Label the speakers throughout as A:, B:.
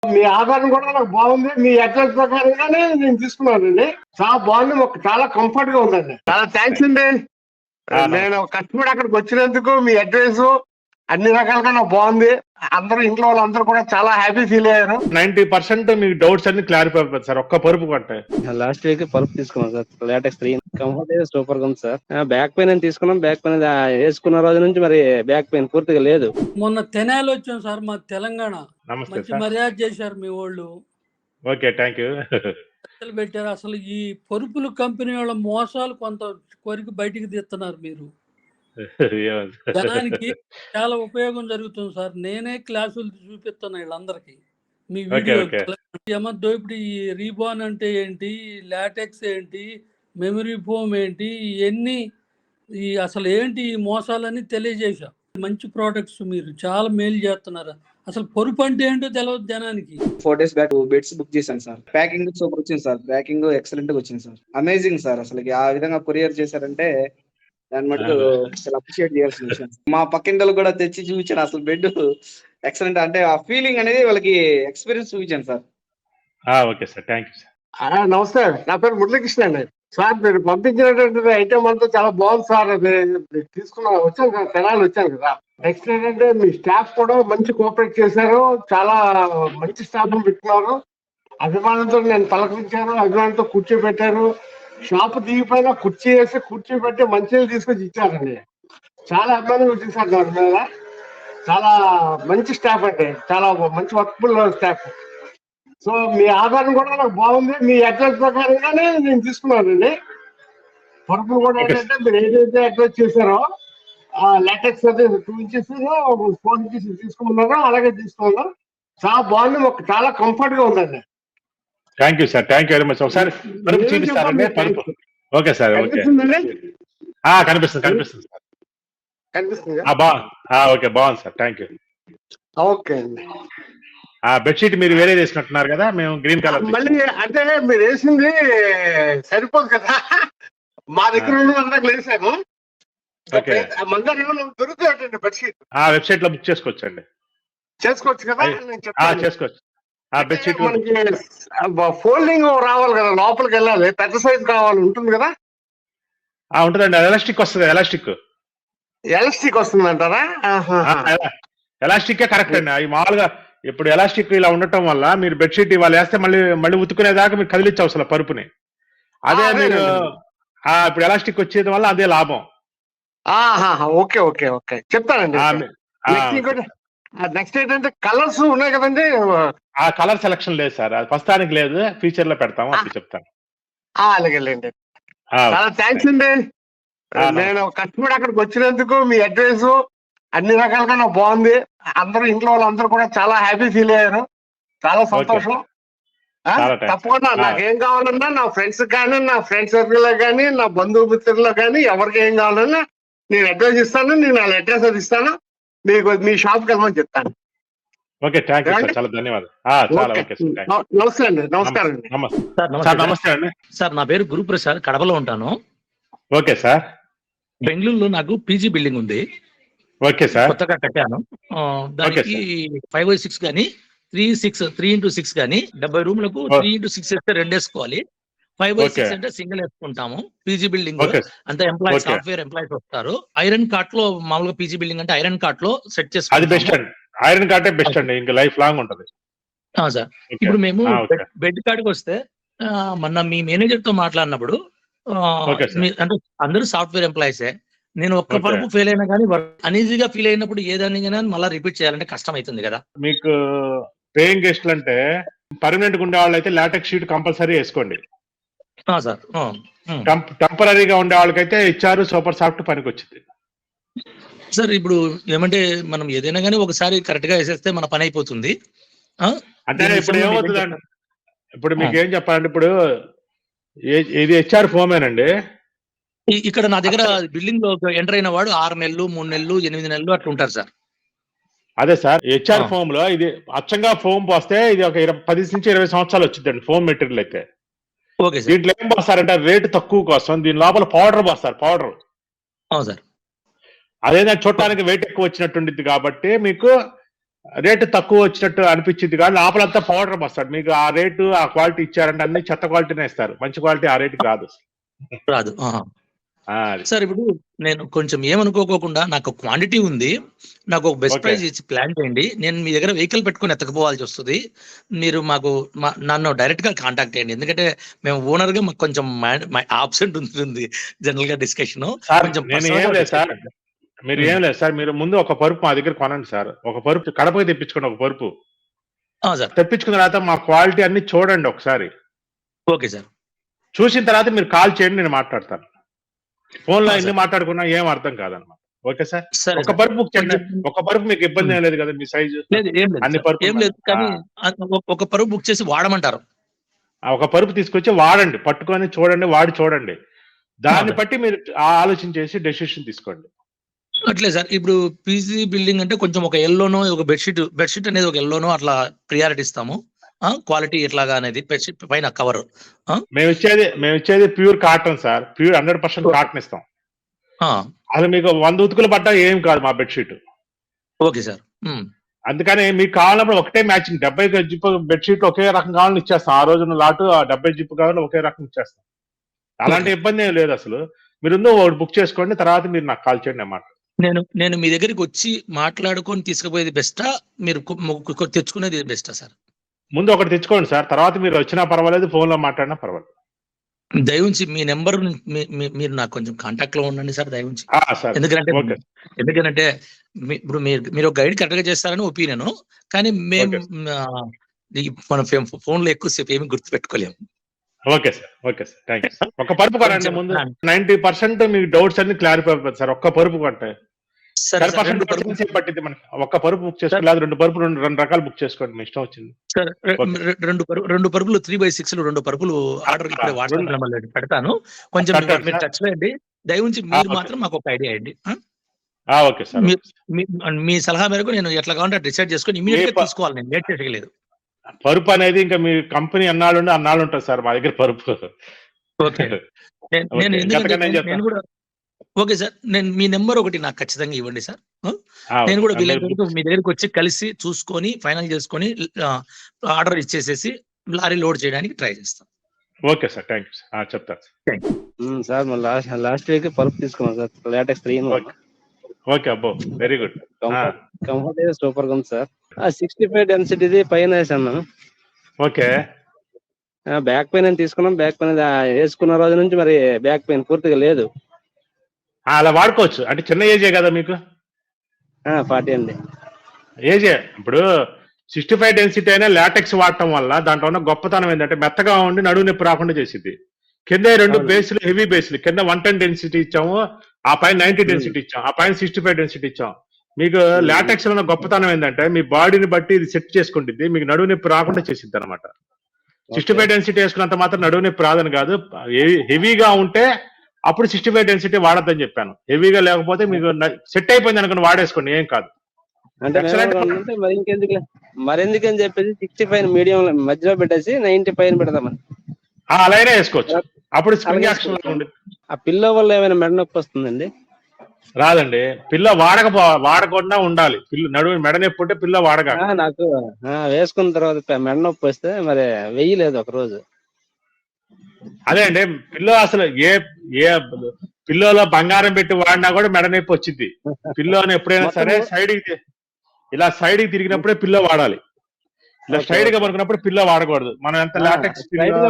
A: మీ ఆధారం కూడా నాకు బాగుంది. మీ అడ్రస్ ప్రకారంగానే నేను తీసుకున్నానండి. చాలా బాగుంది, చాలా కంఫర్ట్ గా ఉందండి. చాలా థ్యాంక్స్ అండి. నేను కష్టపడి అక్కడికి వచ్చినందుకు మీ అడ్రస్ అన్ని రకాలుగా నాకు బాగుంది. అందరూ ఇంట్లో వాళ్ళందరూ కూడా చాలా హ్యాపీ ఫీల్ అయ్యారు.
B: 90% మీకు డౌట్స్ అన్ని క్లారిఫై అయిపోతుంది సార్ ఒక్క పరుపు కొంటే.
C: లాస్ట్ వీక్ పరుపు తీసుకున్నాం సార్, లేటెక్స్ 3. కంఫర్ట్ అయితే సూపర్ గా ఉంది సార్. బ్యాక్ పెయిన్ అని తీసుకున్నాం. బ్యాక్ పెయిన్ వేసుకున్న రోజు నుంచి మరి బ్యాక్ పెయిన్ పూర్తిగా లేదు.
D: మొన్న తెనాలి వచ్చాం సార్, మా తెలంగాణ.
B: నమస్తే
D: మంచి
B: సార్.
D: మర్యాద చేశారు మీ వాళ్ళు.
B: Okay, thank you.
D: పెట్టారు. అసలు ఈ పరుపుల కంపెనీ వాళ్ళ మోసాలు కొంత కొరికి బయటికి తీస్తున్నారు మీరు. జనానికి చాలా ఉపయోగం జరుగుతుంది సార్. నేనే క్లాసులు చూపిస్తున్నా వీళ్ళందరికీ మీ వీడియో. ఇప్పుడు ఈ రీబాన్ అంటే ఏంటి, లాటెక్స్ ఏంటి, మెమరీ ఫోమ్ ఏంటి, ఇవన్నీ అసలు ఏంటి ఈ మోసాలని తెలియజేశా. మంచి ప్రోడక్ట్స్ మీరు చాలా మేలు చేస్తున్నారు. అసలు పొరుపు అంటే ఏంటో తెలియదు జనానికి.
C: 4 days బ్యాక్ బెడ్స్ బుక్ చేశాను సార్. ప్యాకింగ్ సూపర్ వచ్చింది సార్. ప్యాకింగ్ ఎక్సలెంట్ గా వచ్చింది సార్. Amazing sir. అసలు ఆ విధంగా కొరియర్ చేశారంటే దాని మటుకు అసలు అప్రిషియేట్ చేయాల్సిన విషయం. మా పక్కింటలు కూడా తెచ్చి చూపించాను. అసలు బెడ్ ఎక్సలెంట్, అంటే ఆ ఫీలింగ్ అనేది వాళ్ళకి ఎక్స్పీరియన్స్ చూపించాను sir.
B: Okay sir, thank you sir.
A: నమస్తే, నా పేరు మురళీకృష్ణ అండి. సార్ మీరు పంపించినటువంటి ఐటమ్ అంతా చాలా బాగుంది సార్. అది వచ్చాను కదా, తెనాలి వచ్చాను కదా. నెక్స్ట్ ఏంటంటే మీ స్టాఫ్ కూడా మంచి కోఆపరేట్ చేశారు. చాలా మంచి స్టాఫ్ పెట్టుకున్నారు. అభిమానంతో నేను పలకరించాను, అభిమానంతో కూర్చోబెట్టారు. షాప్ దిగిపోయినా కుర్చీ వేసి కూర్చోబెట్టి మంచిగా తీసుకొచ్చి ఇచ్చారండి. చాలా అభిమానంగా వచ్చేసారు దాని మీద. చాలా మంచి స్టాఫ్ అండి, చాలా మంచి వర్క్ఫుల్ స్టాఫ్. సో మీ ఆధారం కూడా నాకు బాగుంది. మీ అడ్రస్ ప్రకారంగానే నేను తీసుకున్నానండి. పరుపులు కూడా ఏంటంటే మీరు ఏదైతే అడ్రస్ చేశారో లాటెక్స్ అయితే 2 inches 4 inches తీసుకున్నారో అలాగే తీసుకున్నాను. చాలా బాగుంది, చాలా కంఫర్ట్ గా ఉందండి.
B: Thank you sir, thank you very much. ఒకసారి పరుపు చూపిస్తారండి, పరుపు. Okay sir, okay. కనిపిస్తుంది కనిపిస్తుంది సార్.
A: కనిపిస్తుంది.
B: ఓకే, బాగుంది సార్, థ్యాంక్ యూ.
A: ఓకే అండి.
B: బెడ్షీట్ మీరు వేరే వేసినట్టున్నారు కదా, మేము గ్రీన్ కలర్.
A: మళ్ళీ అంటే మీరు వేసింది సరిపోదు కదా, మా దగ్గర వేసాను. మన దగ్గర దొరుకుతాయండి బెడ్షీట్.
B: వెబ్సైట్ లో బుక్ చేసుకోవచ్చండి.
A: చేసుకోవచ్చు కదా,
B: చేసుకోవచ్చు. బెడ్షీట్
A: మనకి ఫోల్డింగ్ రావాలి కదా, లోపలికి వెళ్ళాలి, పెద్ద సైజ్ కావాలి, ఉంటుంది కదా.
B: ఉంటుందండి, ఎలాస్టిక్ వస్తుంది. ఎలాస్టిక్
A: వస్తుంది అంటారా?
B: ఎలాస్టిక్ కరెక్ట్ అండి. అవి మామూలుగా ఇప్పుడు ఎలాస్టిక్ ఇలా ఉండటం వల్ల మీరు బెడ్షీట్ ఇవాళ వేస్తే మళ్ళీ ఉతుకునేదాకా మీరు కదిలించే అవసరం పరుపుని. అదే మీరు ఇప్పుడు ఎలాస్టిక్ వచ్చేది వల్ల అదే లాభం.
A: ఓకే ఓకే ఓకే, చెప్తానండి. నెక్స్ట్ ఏంటంటే కలర్స్ ఉన్నాయి కదండి.
B: ఆ కలర్ సెలక్షన్ లేదు సార్, అది ప్రస్తుతానికి లేదు, ఫ్యూచర్ లో పెడతాము, అప్పుడు చెప్తాను.
A: అలాగేలేండి. చాలా థ్యాంక్స్ అండి. నేను కష్టపడి అక్కడికి వచ్చినందుకు మీ అడ్రస్ అన్ని రకాలుగా నాకు బాగుంది. అందరూ ఇంట్లో వాళ్ళందరూ కూడా చాలా హ్యాపీ ఫీల్ అయ్యారు. చాలా సంతోషం. తప్పకుండా నాకేం కావాలన్నా నా ఫ్రెండ్స్ కానీ, నా ఫ్రెండ్స్ సర్కిల్ లో కానీ, నా బంధుమిత్రుల్లో కానీ ఎవరికి ఏం కావాలన్నా నేను అడ్రస్ ఇస్తాను. నేను వాళ్ళ అడ్రస్ అది ఇస్తాను. మీకు మీ షాప్కి వెళ్ళమని చెప్తాను.
B: ఓకే, థ్యాంక్ యూ సార్, చాలా ధన్యవాదాలు.
A: నమస్తే అండి. నమస్కారం అండి.
B: నమస్తే అండి.
E: సార్ నా పేరు గురుప్రసాద్, కడపలో ఉంటాను.
B: Okay sir.
E: బెంగళూరులో నాకు పీజీ బిల్డింగ్ ఉంది.
B: Okay sir.
E: కొత్తగా కట్టాను. దానికి 5/6 కానీ 3x6 కానీ 70 రూమ్లకు 3x6 వేస్తే 2 వేసుకోవాలి. 5/6 అంటే సింగిల్ వేసుకుంటాము. పీజీ బిల్డింగ్ అంతా ఎంప్లాయీస్, సాఫ్ట్వేర్ ఎంప్లాయీస్ వస్తారు. ఐరన్ కార్ట్ లో మామూలుగా పీజీ బిల్డింగ్ అంటే ఐరన్ కార్ట్ లో సెట్ చేసుకోవాలి.
B: అది బెస్ట్ అండి, ఐరన్ కార్టే బెస్ట్ అండి, ఇంకా లైఫ్ లాంగ్ ఉంటది.
E: సార్ ఇప్పుడు మేము బెడ్ కాడికి వస్తే మొన్న మీ మేనేజర్ తో మాట్లాడినప్పుడు అంటే అందరూ సాఫ్ట్వేర్ ఎంప్లాయీసే. నేను ఒక్క పరుపు ఫెయిల్ అయినా కానీ అనీజీగా ఫీల్ అయినప్పుడు ఏదాన్ని మళ్ళీ రిపీట్ చేయాలంటే కష్టం అవుతుంది కదా.
B: మీకు పేయింగ్ గెస్ట్లు అంటే పర్మనెంట్ గా ఉండే వాళ్ళు అయితే లాటెక్స్ షీట్ కంపల్సరీ వేసుకోండి
E: సార్.
B: టెంపరీగా ఉండే వాళ్ళకైతే ఇచ్చారు సూపర్ సాఫ్ట్ పనికి వచ్చింది
E: సార్. ఇప్పుడు ఏమంటే మనం ఏదైనా కానీ ఒకసారి కరెక్ట్ గా వేసేస్తే మన పని అయిపోతుంది.
B: అంటే ఇప్పుడు ఏమవుతుందండి, ఇప్పుడు మీకు ఏం చెప్పాలంటే ఇప్పుడు ఇది హెచ్ఆర్ ఫోమేనండి.
E: ఇక్కడ నా దగ్గర బిల్డింగ్ లో ఎంటర్ అయిన వాడు 6 నెలలు, 3 నెలలు, 8 నెలలు అట్లా ఉంటారు సార్.
B: అదే సార్, హెచ్ఆర్ ఫోమ్ లో ఇది అచ్చంగా ఫోమ్ పోస్తే ఇది ఒక 10 నుంచి 20 సంవత్సరాలు వచ్చిందండి ఫోమ్ మెటీరియల్ అయితే. దీంట్లో ఏం పోస్తారంటే రేటు తక్కువ కోసం దీని లోపల పౌడర్ పోస్తారు. పౌడర్
E: సార్
B: అదేనా చూడటానికి వెయిట్ ఎక్కువ వచ్చినట్టుండిద్ది కాబట్టి మీకు రేటు తక్కువ వచ్చినట్టు అనిపించింది కానీ లోపలంతా పౌడర్ వస్తాడు. మీకు ఆ రేటు ఆ క్వాలిటీ ఇచ్చారంటే అన్ని చెత్త క్వాలిటీనే ఇస్తారు, మంచి క్వాలిటీ ఆ రేటు రాదు.
E: రాదు. సార్ ఇప్పుడు నేను కొంచెం ఏమనుకోకుండా నాకు క్వాంటిటీ ఉంది, నాకు ఒక బెస్ట్ ప్రైస్ ఇచ్చి ప్లాన్ చేయండి. నేను మీ దగ్గర వెహికల్ పెట్టుకుని ఎత్తకపోవాల్సి వస్తుంది. మీరు నన్ను డైరెక్ట్ గా కాంటాక్ట్ చేయండి. ఎందుకంటే మేము ఓనర్ గా మాకు కొంచెం ఆబ్సెంట్ ఉంటుంది జనరల్ గా డిస్కషన్.
B: మీరు ఏం లేదు సార్, మీరు ముందు ఒక పరుపు మా దగ్గర కొనండి సార్. ఒక పరుపు కడపకి తెప్పించుకోండి, ఒక పరుపు తెప్పించుకున్న తర్వాత మా క్వాలిటీ అన్ని చూడండి ఒకసారి.
E: Okay sir.
B: చూసిన తర్వాత మీరు కాల్ చేయండి, నేను మాట్లాడతాను. ఫోన్ లో ఎన్ని మాట్లాడుకున్నా ఏం అర్థం కాదన్నమాట. ఓకే సార్, ఒక పరుపు బుక్ చేయండి. ఒక పరుపు మీకు ఇబ్బంది ఏం లేదు కదా, మీ సైజు అన్ని పరుపు
E: ఏం లేదు, కానీ ఒక పరుపు బుక్ చేసి వాడమంటారు.
B: ఒక పరుపు తీసుకొచ్చి వాడండి, పట్టుకొని చూడండి, వాడి చూడండి. దాన్ని బట్టి మీరు ఆలోచన చేసి డెసిషన్ తీసుకోండి.
E: అట్లే సార్, ఇప్పుడు పీజీ బిల్డింగ్ అంటే కొంచెం ఒక ఎల్లోనో ఒక బెడ్షీట్ అనేది ఒక ఎల్లోనో అట్లా ప్రియారిటీ ఇస్తాము. క్వాలిటీ ఎట్లాగా అనేది బెడ్షీట్ పైన కవర్
B: మేము ఇచ్చేది pure cotton sir, pure 100% cotton ఇస్తాం. అది మీకు 100 ఉతుకులు పడ్డా ఏం కాదు మా బెడ్షీట్.
E: Okay sir.
B: అందుకని మీకు కావాలన్నప్పుడు ఒకటే మ్యాచింగ్ 70 జిప్ బెడ్షీట్ ఒకే రకం కావాలని ఇచ్చేస్తాం. ఆ రోజున లాటు 70 జిప్ కావాలని ఒకే రకం ఇచ్చేస్తాం. అలాంటి ఇబ్బంది ఏం లేదు అసలు. మీరు ఒకటి బుక్ చేసుకోండి, తర్వాత మీరు నాకు కాల్ చేయండి అన్నమాట.
E: నేను మీ దగ్గరికి వచ్చి మాట్లాడుకొని తీసుకుపోయేది బెస్టా, మీరు తెచ్చుకునేది బెస్టా సార్?
B: ముందు ఒకటి తెచ్చుకోండి సార్, తర్వాత మీరు వచ్చినా పర్వాలేదు, ఫోన్ లో మాట్లాడినా పర్వాలేదు.
E: దయవుంచి మీ నెంబర్ మీరు నాకు కొంచెం కాంటాక్ట్ లో ఉండండి సార్, దయవుంచి. ఎందుకంటే ఇప్పుడు మీరు ఒక గైడ్ కరెక్ట్ గా చేస్తారని ఒపీనియన్, కానీ మేము మన ఫోన్ లో ఎక్కువసేపు ఏమి గుర్తు పెట్టుకోలేము.
B: Okay sir, thank you. ఒక పరుపు కొనండి ముందు, 90% మీకు డౌట్స్ అన్ని క్లారిఫై అయిపోతుంది సార్. ఒక్క పరుపు కొంటే 10% పట్టింది మనకి. ఒక్క పరుపు బుక్ చేసుకోండి, లేదా రెండు రకాలు బుక్ చేసుకోండి, మీ ఇష్టం వచ్చింది
E: సార్. రెండు పరుపులు 3x6 2 పరుపులు ఆర్డర్ ఇప్పుడే వాట్సాప్ పెడతాను, కొంచెం మీరు టచ్ లో అండి. దయవుంచి మీరు మాత్రం మాకు ఒక ఐడియా అండి.
B: ఓకే సార్,
E: మీ సలహా మేరకు నేను ఎట్లా కావాలంటే డిసైడ్ చేసుకొని ఇమీడియట్ గా తీసుకోవాలి, నేను లేట్ చేయలేదు.
B: పరుపు అనేది ఇంకా మీ కంపెనీ అన్నాళ్ళు ఉంటుంది సార్ మా దగ్గర పరుపు.
E: ఓకే, నేను కూడా ఓకే సార్. నేను మీ నెంబర్ ఒకటి నాకు ఖచ్చితంగా ఇవ్వండి సార్. నేను కూడా వీళ్ళందరికీ మీ దగ్గరికి వచ్చి కలిసి చూసుకొని ఫైనల్ చేసుకొని ఆర్డర్ ఇచ్చేసేసి లారీ లోడ్ చేయడానికి ట్రై చేస్తాను.
B: Okay sir, thank you sir, చెప్తాను
C: సార్. లాస్ట్ వీక్ పరుపు తీసుకున్నాం సార్, లాటెక్స్ 3.
B: ఓకే, అబ్బో వెరీ గుడ్.
C: కంఫర్ట్ అయితే సూపర్ గా ఉంది సార్. 65 డెన్సిటీది పైన వేసాను.
B: ఓకే,
C: బ్యాక్ పెయిన్ అని తీసుకున్నాం. బ్యాక్ పెయిన్ వేసుకున్న రోజు నుంచి మరి బ్యాక్ పెయిన్ పూర్తిగా లేదు.
B: అలా వాడుకోవచ్చు. అంటే చిన్న ఏజే కదా మీకు?
C: 40 అండి
B: ఏజే. ఇప్పుడు 65 డెన్సిటీ అయినా లాటెక్స్ వాడటం వల్ల దాంట్లో ఉన్న గొప్పతనం ఏంటంటే మెత్తగా ఉండి నడువు నొప్పి రాకుండా చేసింది. కింద 2 బేస్లు హెవీ బేస్లు, కింద 110 డెన్సిటీ ఇచ్చాము, ఆ పైన 90 డెన్సిటీ ఇచ్చాం, ఆ పైన 65 డెన్సిటీ ఇచ్చాం. మీకు లాటెక్స్ లో ఉన్న గొప్పతనం ఏంటంటే మీ బాడీని బట్టి ఇది సెట్ చేసుకుంటుంది, మీకు నడువు నొప్పి రాకుండా చేసింది అనమాట. 65 డెన్సిటీ వేసుకున్నంత మాత్రం నడువు నొప్పి రాదని కాదు. హెవీగా ఉంటే అప్పుడు 65 డెన్సిటీ వాడద్దని చెప్పాను. హెవీగా లేకపోతే మీకు సెట్ అయిపోయింది అనుకుని వాడేసుకోండి, ఏం కాదు.
C: మరెందుకని చెప్పేసి 65 మీడియం మధ్యలో పెట్టేసి 90 పైన పెడదామని
B: అలానే వేసుకోవచ్చు. అప్పుడు స్ప్రింగ్ యాక్షన్ ఉంటుంది.
C: ఆ పిల్లో వల్ల ఏమైనా మెడ నొప్పి వస్తుందండి?
B: రాదండి, పిల్ల వాడకుండా ఉండాలి. నడువు మెడ నొప్పి ఉంటే పిల్ల వాడగా.
C: నాకు వేసుకున్న తర్వాత మెడ నొప్పి వస్తే మరి వెయ్యలేదు ఒక రోజు.
B: అదే అండి, పిల్లో అసలు ఏ పిల్లోలో బంగారం పెట్టి వాడినా కూడా మెడ నొప్పి వచ్చింది. పిల్లోని ఎప్పుడైనా సరే ఇలా సైడ్ కి తిరిగినప్పుడే పిల్లో వాడాలి. ఇలా స్ట్రైట్ గా పడుకున్నప్పుడు పిల్లో వాడకూడదు. మనం ఎంత లాటెక్స్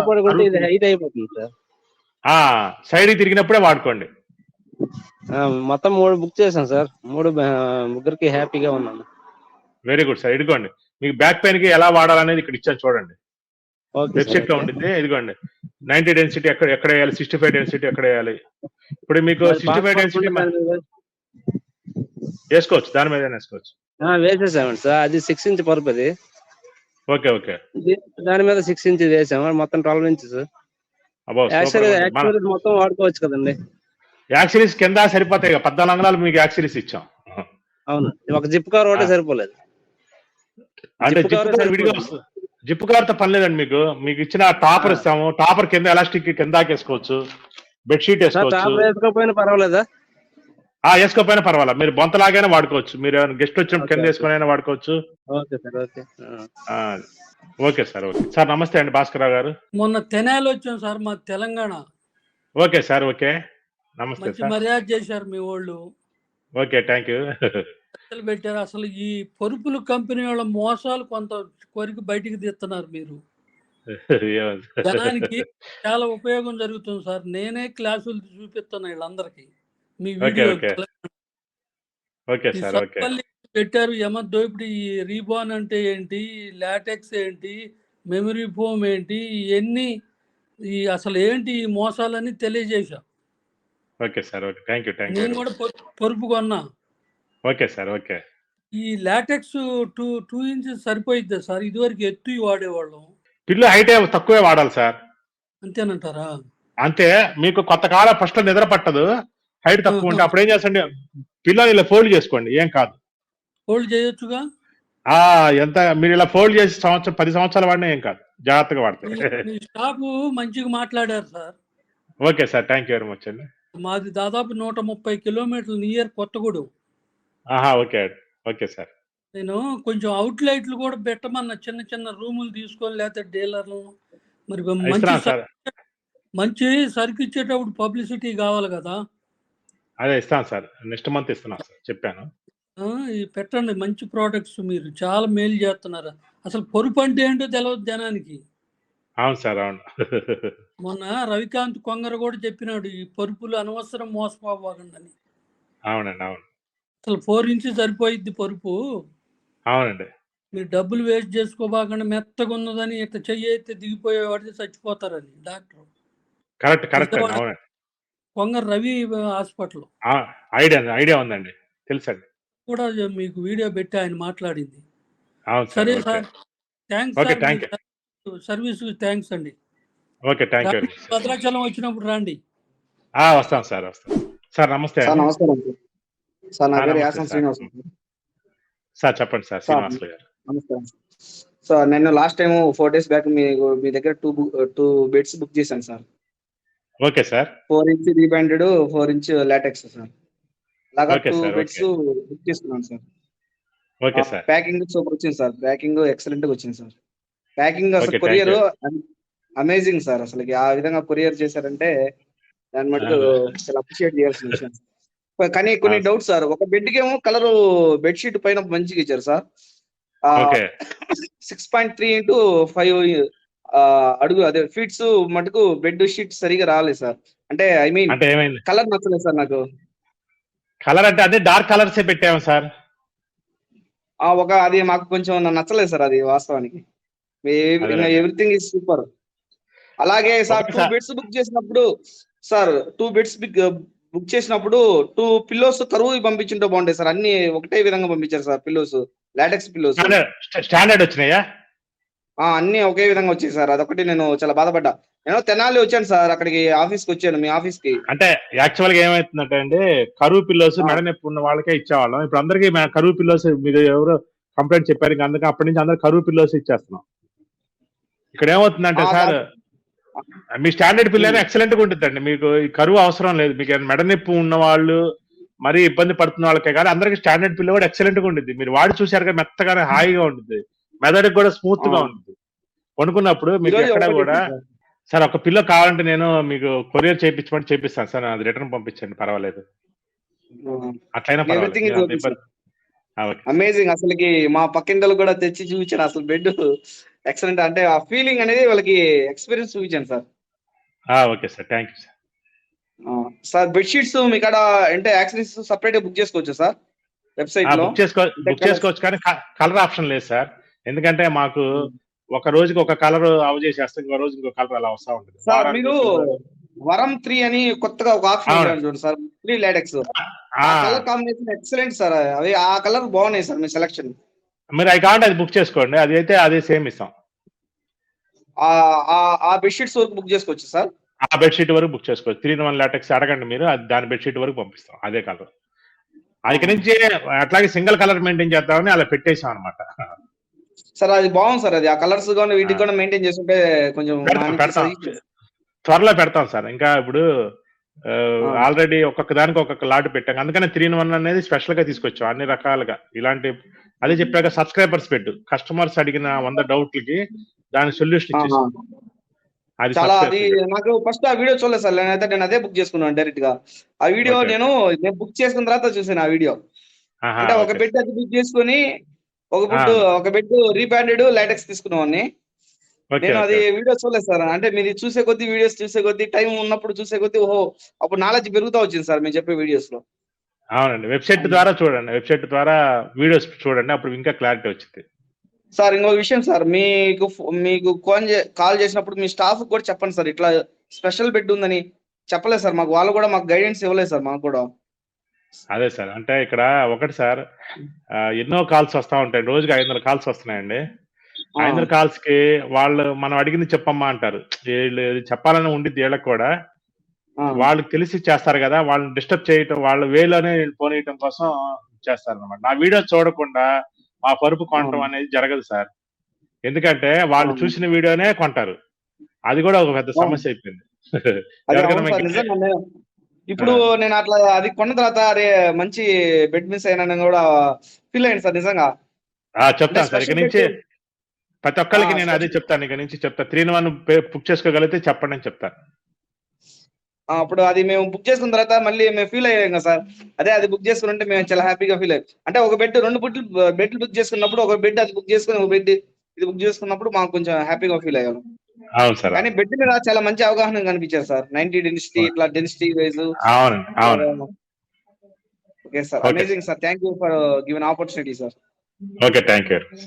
B: సైడ్ కి తిరిగినప్పుడే వాడుకోండి.
C: మొత్తం 3 బుక్ చేశాను సార్. 3 ముగ్గురికి హ్యాపీగా ఉన్నాను.
B: Very good sir. ఇదిగోండి మీకు బ్యాక్ పెయిన్ కి ఎలా వాడాలనేది ఇక్కడ ఇచ్చాను చూడండి, వెబ్సైట్ లో ఉంటుంది. ఇదిగోండి 90 డెన్సిటీ ఎక్కడ వేయాలి, 65 డెన్సిటీ ఎక్కడ వేయాలి. ఇప్పుడు మీకు 65 డెన్సిటీ వేసుకోవచ్చు, దాని మీద వేసుకోవచ్చు.
C: వేసేసామండి సార్, అది 6 ఇంచ్ పరుపు అది.
B: ఓకే ఓకే,
C: దాని మీద 6 ఇంచ్ వేసాము, మొత్తం 12 ఇంచెస్. మొత్తం వాడుకోవచ్చు కదండి.
B: యాక్సిరీస్ కింద సరిపోతాయి, 14 అంగుళాలు మీకు యాక్సిరీస్ ఇచ్చాం.
C: అవును, ఒక జిప్ కవర్ ఒకటే సరిపోలేదు.
B: అంటే జిప్ కవర్ తో పని లేదండి. మీకు ఇచ్చిన టాపర్ ఇస్తాము, టాపర్ కింద ఎలాస్టిక్ కింద వేసుకోవచ్చు, బెడ్షీట్ వేసుకోవచ్చు.
C: వేసుకోకపోయినా పర్వాలేదా?
B: వేసుకోపోయినా పర్వాలేదు, మీరు బొంతలాగానే వాడుకోవచ్చు, మీరు గెస్ట్ వచ్చినప్పుడు కింద వేసుకుని వాడుకోవచ్చు.
C: Okay sir, okay.
B: ఆ, ఓకే సార్. ఓకే సార్, నమస్తే అండి భాస్కరరావు గారు.
D: మొన్న తెనాలి వచ్చాం సార్, మా తెలంగాణ.
B: ఓకే సార్, ఓకే, నమస్తే
D: మంచి
B: సార్.
D: మర్యాద చేశారు మీ వాళ్ళు,
B: ఓకే, థ్యాంక్ యూ.
D: చర్చలు పెట్టారు. అసలు ఈ పరుపుల కంపెనీ వాళ్ళ మోసాలు కొంత కొరికి బయటికి తీస్తున్నారు మీరు. జనానికి చాలా ఉపయోగం జరుగుతుంది సార్. నేనే క్లాసులు చూపిస్తున్నా వీళ్ళందరికీ మీ
B: ఓకే,
D: వీడియో.
B: ఓకే. ఓకే
D: ఈ
B: సార్, ఓకే.
D: సత్పల్లి పెట్టారు యమద్దో. ఇప్పుడు ఈ రీబాన్ అంటే ఏంటి, లాటెక్స్ ఏంటి, మెమరీ ఫోమ్ ఏంటి, ఇవన్నీ ఈ అసలు ఏంటి ఈ మోసాలని తెలియజేశా.
B: Okay sir, okay, thank you, thank you.
D: నేను కూడా పరుపు కొన్నా.
B: Okay sir, okay.
D: ఈ లాటెక్స్ 2 ఇంచెస్ సరిపోయిద్దా సార్? ఇదివరకు ఎత్తు వాడేవాళ్ళం.
B: పిల్లు హైట్ తక్కువే వాడాలి సార్.
D: అంతేనంటారా?
B: అంతే, మీకు కొంతకాలం ఫస్ట్ నిద్ర పట్టదు, హైట్ తక్కువ ఉంటే అప్పుడు ఏం చేస్తండి, పిల్లలు ఇలా ఫోల్డ్ చేసుకోండి, ఏం కాదు.
D: హోల్డ్ చేయొచ్చుగా.
B: ఎంత మీరు ఇలా ఫోల్డ్ చేసి 10 సంవత్సరాలు వాడినా ఏం కాదు, జాగ్రత్తగా వాడితే.
D: మీ స్టాఫ్ మంచిగా మాట్లాడారు sir.
B: Okay sir, thank you very much అండి.
D: మాది దాదాపు 130 కిలోమీటర్లు near Kothagudem.
B: Okay, okay sir.
D: నేను కొంచెం అవుట్లైట్లు కూడా పెట్టమన్న, చిన్న చిన్న రూములు తీసుకొని, లేకపోతే డీలర్లు. మరి
B: ఇస్తున్నాను సార్,
D: మంచి సరుకు ఇచ్చేటప్పుడు పబ్లిసిటీ కావాలి కదా.
B: అదే ఇస్తాను సార్, నెక్స్ట్ మంత్ ఇస్తున్నాను సార్, చెప్పాను.
D: ఈ పెట్టండి మంచి ప్రోడక్ట్స్, మీరు చాలా మేలు చేస్తున్నారు. అసలు పొరుపు అంటే ఏంటో తెలియదు జనానికి.
B: అవును సార్, అవును.
D: మొన్న రవికాంత్ కొంగర కూడా చెప్పినాడు, ఈ పరుపులు అనవసరం మోసపోవాలని.
B: అవునండి, అవును.
D: అసలు 4 ఇంచెస్ సరిపోయిద్ది పరుపు.
B: అవునండి.
D: మీరు డబ్బులు వేస్ట్ చేసుకోబాకుండా మెత్తగా ఉన్నదని ఇట్లా చెయ్యి అయితే దిగిపోయేవాడితే చచ్చిపోతారని డాక్టర్.
B: కరెక్ట్ అండి, అవునండి.
D: కొంగర రవి హాస్పిటల్
B: ఐడియా ఉందండి, తెలుసండి.
D: కూడా మీకు వీడియో పెట్టి ఆయన మాట్లాడింది.
B: అవును
D: సరే
B: sir,
D: sir, thanks
B: okay,
D: sir,
B: thank you.
D: Service thanks అండి.
B: Okay, thank you.
D: భద్రాచలం వచ్చినప్పుడు రండి.
B: వస్తాం సార్, వస్తాం సార్. నమస్తే
C: సార్ నమస్కారం సార్, నా పేరు
B: నమస్తే
C: యాసం
B: సార్.
C: శ్రీనివాస్.
B: సార్ చెప్పండి సార్, శ్రీనివాసులు గారు.
C: నమస్కారం సార్. నేను లాస్ట్ టైం 4 days బ్యాక్ మీ దగ్గర 2 బెడ్స్ బుక్ చేశాను sir.
B: Okay sir.
C: 4 inch rebonded, 4 inch latex sir. అలాగా
B: ఓకే
C: 2
B: సార్,
C: బెడ్స్ బుక్ చేసుకున్నాను sir.
B: Okay sir.
C: Packing super వచ్చింది సార్, ప్యాకింగ్ ఎక్సలెంట్ గా వచ్చింది సార్. ప్యాకింగ్ అసలు
B: Okay,
C: courier
B: thank
C: amazing sir. అసలు ఆ విధంగా కొరియర్ చేశారంటే దాని మటుకు చాలా అప్రిషియేట్ చేయాల్సిన విషయం. కానీ కొన్ని డౌట్స్ సార్. ఒక బెడ్ కి ఏమో కలర్ బెడ్షీట్ పైన మంచిగా ఇచ్చారు సార్.
B: ఓకే
C: 6.3 into 5 అడుగు అదే ఫీట్స్ మటుకు బెడ్ షీట్ సరిగా రాలేదు సార్. అంటే ఐ మీన్
B: అంటే ఏమైంది?
C: కలర్ నచ్చలేదు సార్ నాకు.
B: కలర్ అంటే అదే డార్క్ కలర్సే పెట్టాము సార్.
C: అది మాకు కొంచెం నచ్చలేదు సార్, అది వాస్తవానికి. Everything is super. అలాగే సార్ 2 బెడ్స్ బుక్ చేసినప్పుడు సార్ 2 బెడ్స్ బుక్ చేసినప్పుడు 2 పిల్లోస్ కరువు పంపించుంటే బాగుంటాయి సార్. అన్ని ఒకటే విధంగా పంపించారు sir pillows, latex pillows.
B: Standard వచ్చినాయా?
C: అన్ని ఒకే విధంగా వచ్చాయి సార్. అదొకటి నేను చాలా బాధపడ్డా. నేను తెనాలి వచ్చాను సార్, అక్కడికి ఆఫీస్కి వచ్చాను, మీ ఆఫీస్ కి.
B: అంటే యాక్చువల్ గా ఏమైతుందంటే అండి, కరువు పిల్లోస్ మెడ నొప్పి ఉన్న వాళ్ళకే ఇచ్చేవాళ్ళం. ఇప్పుడు అందరికి కరువు పిల్లోస్ మీరు ఎవరు కంప్లైంట్ చెప్పారు, ఇంకా అందుకే అప్పటి నుంచి అందరు కరువు పిల్లోస్ ఇచ్చేస్తున్నాం. ఇక్కడ ఏమవుతుందంటే సార్, మీ స్టాండర్డ్ పిల్లలు ఎక్సలెంట్ గా ఉంటుందండి. మీకు ఈ కరువు అవసరం లేదు. మీకు మెడ నొప్పి ఉన్న వాళ్ళు, మరీ ఇబ్బంది పడుతున్న వాళ్ళకే కానీ అందరికి స్టాండర్డ్ పిల్ల కూడా ఎక్సలెంట్ గా ఉంటుంది. మీరు వాడి చూసారు కదా, మెత్తగానే హాయిగా ఉంటుంది, మెదడుకి కూడా స్మూత్ గా ఉంటుంది. కొనుక్కున్నప్పుడు మీకు ఎక్కడ కూడా సార్ ఒక పిల్ల కావాలంటే నేను మీకు కొరియర్ చేపిస్తాను సార్, అది రిటర్న్ పంపించండి, పర్వాలేదు. అట్లయినా
C: అమేజింగ్. అసలుకి మా పక్కింటలు కూడా తెచ్చి చూపించాను. అసలు బెడ్ ఎక్సలెంట్, అంటే ఆ ఫీలింగ్ అనేది వాళ్ళకి ఎక్స్పీరియన్స్ చూపించాను sir.
B: Okay sir, thank you sir.
C: Sir bedsheets మీ కాడ అంటే యాక్సెసరీస్ సపరేట్ గా బుక్ చేసుకోవచ్చు సార్ వెబ్సైట్ లో?
B: బుక్ చేసుకోవచ్చు కానీ కలర్ ఆప్షన్ లేదు సార్. ఎందుకంటే మాకు ఒక రోజుకి ఒక కలర్ అవ చేసేస్తాం, ఇంకో రోజు ఇంకో కలర్ అలా వస్తా ఉంటుంది
C: సార్. మీరు వరం 3 అని కొత్తగా ఒక ఆప్షన్ చూడండి sir, 3 latex colour combination excellent sir. అవి ఆ కలర్ బాగున్నాయి సార్, మీ సెలక్షన్.
B: మీరు అవి కావాలంటే అది బుక్ చేసుకోండి, అది అయితే అదే సేమ్ ఇస్తాం.
C: ఆ బెడ్షీట్స్ వరకు బుక్ చేసుకోవచ్చు సార్.
B: ఆ బెడ్షీట్ వరకు బుక్ చేసుకోవచ్చు. 3-in-1 లాటెక్స్ అడగండి మీరు, అది దాని బెడ్షీట్ వరకు పంపిస్తాం అదే కలర్. అది నుంచి అట్లాగే సింగిల్ కలర్ మెయింటైన్ చేద్దామని అలా పెట్టేసాం అనమాట
C: సార్. అది బాగుంది సార్, అది ఆ కలర్స్ కూడా వీటికి కూడా మెయింటైన్ చేస్తుంటే కొంచెం
B: త్వరలో పెడతాం సార్. ఇంకా ఇప్పుడు ఆల్రెడీ ఒక్కొక్క దానికి ఒక్కొక్క లాట్ పెట్టాం, అందుకనే 3-in-1 అనేది స్పెషల్ గా తీసుకొచ్చాం అన్ని రకాలుగా. ఇలాంటి అదే చెప్పాక సబ్స్క్రైబర్స్ పెట్టు, కస్టమర్స్ అడిగిన 100 డౌట్లకి దాని సొల్యూషన్ ఇచ్చేసి అది
C: చాలా
B: success.
C: అది నాకు ఫస్ట్ ఆ వీడియో చూడలేదు సార్, నేను అదే బుక్ చేసుకున్నాను డైరెక్ట్ గా. ఆ వీడియో
B: Okay.
C: నేను బుక్ చేసుకున్న తర్వాత చూసాను ఆ వీడియో.
B: ఆహా,
C: అంటే ఒక
B: okay.
C: బెడ్ అది బుక్ చేసుకుని ఒక బెడ్ రీబ్రాండెడ్ లాటెక్స్ తీసుకున్నామని.
B: Okay,
C: నేను అది
B: okay.
C: వీడియో చూడలేదు సార్. అంటే మీరు చూసే కొద్దీ వీడియోస్ చూసే కొద్దీ టైం ఉన్నప్పుడు చూసే కొద్దీ ఓహో అప్పుడు నాలెడ్జ్ పెరుగుతా వచ్చింది సార్ మీరు చెప్పే వీడియోస్ లో.
B: అవునండి, వెబ్సైట్ ద్వారా చూడండి, వెబ్సైట్ ద్వారా వీడియోస్ చూడండి, అప్పుడు ఇంకా క్లారిటీ వచ్చింది.
C: సార్ ఇంకొక విషయం సార్, మీకు కాల్ చేసినప్పుడు మీ స్టాఫ్ కూడా చెప్పండి సార్, ఇట్లా స్పెషల్ బెడ్ ఉందని చెప్పలేదు సార్ మాకు. వాళ్ళు కూడా మాకు గైడెన్స్ ఇవ్వలేదు సార్ మాకు కూడా.
B: అదే సార్, అంటే ఇక్కడ ఒకటి సార్, ఎన్నో కాల్స్ వస్తా ఉంటాయి, రోజుకి 500 కాల్స్ వస్తున్నాయండి. 500 కాల్స్ కి వాళ్ళు మనం అడిగింది చెప్పమ్మా అంటారు. వీళ్ళు ఇది చెప్పాలని ఉండిద్ది వీళ్ళకి కూడా. వాళ్ళకి తెలిసి చేస్తారు కదా, వాళ్ళని డిస్టర్బ్ చేయటం, వాళ్ళ వేలోనే పోనీయటం కోసం చేస్తారు అనమాట. నా వీడియో చూడకుండా మా పరుపు కొనటం అనేది జరగదు సార్. ఎందుకంటే వాళ్ళు చూసిన వీడియోనే కొంటారు. అది కూడా ఒక పెద్ద సమస్య అయిపోయింది. ఎవరికైనా మీకు
C: ఇప్పుడు నేను అట్లా అది కొన్న తర్వాత అరే మంచి బెడ్ మిస్ అయినా కూడా ఫీల్ అయ్యాను సార్ నిజంగా.
B: చెప్తాను సార్, ఇక నుంచి ప్రతి ఒక్కరికి నేను అదే చెప్తాను, ఇక నుంచి చెప్తా. 3-in-1 బుక్ చేసుకోగలిగితే చెప్పండి అని చెప్తాను.
C: అప్పుడు అది మేము బుక్ చేసుకున్న తర్వాత మళ్ళీ మేము ఫీల్ అయ్యాం కదా సార్. అదే అది బుక్ చేసుకుంటే మేము చాలా హ్యాపీగా ఫీల్ అయ్యాం. అంటే ఒక బెడ్ 2 బెడ్లు బుక్ చేసుకున్నప్పుడు ఒక బెడ్ అది బుక్ చేసుకుని ఒక బెడ్ ఇది బుక్ చేసుకున్నప్పుడు మాకు కొంచెం హ్యాపీగా ఫీల్ అయ్యాను.
B: అవును సార్.
C: కానీ బెడ్ మీద చాలా మంచి అవగాహన కనిపించారు సార్. 90 డెన్సిటీ ఇట్లా డెన్సిటీ వైజ్.
B: అవును.
C: Okay sir, amazing sir. Thank you for given opportunity sir.
B: Okay, thank you.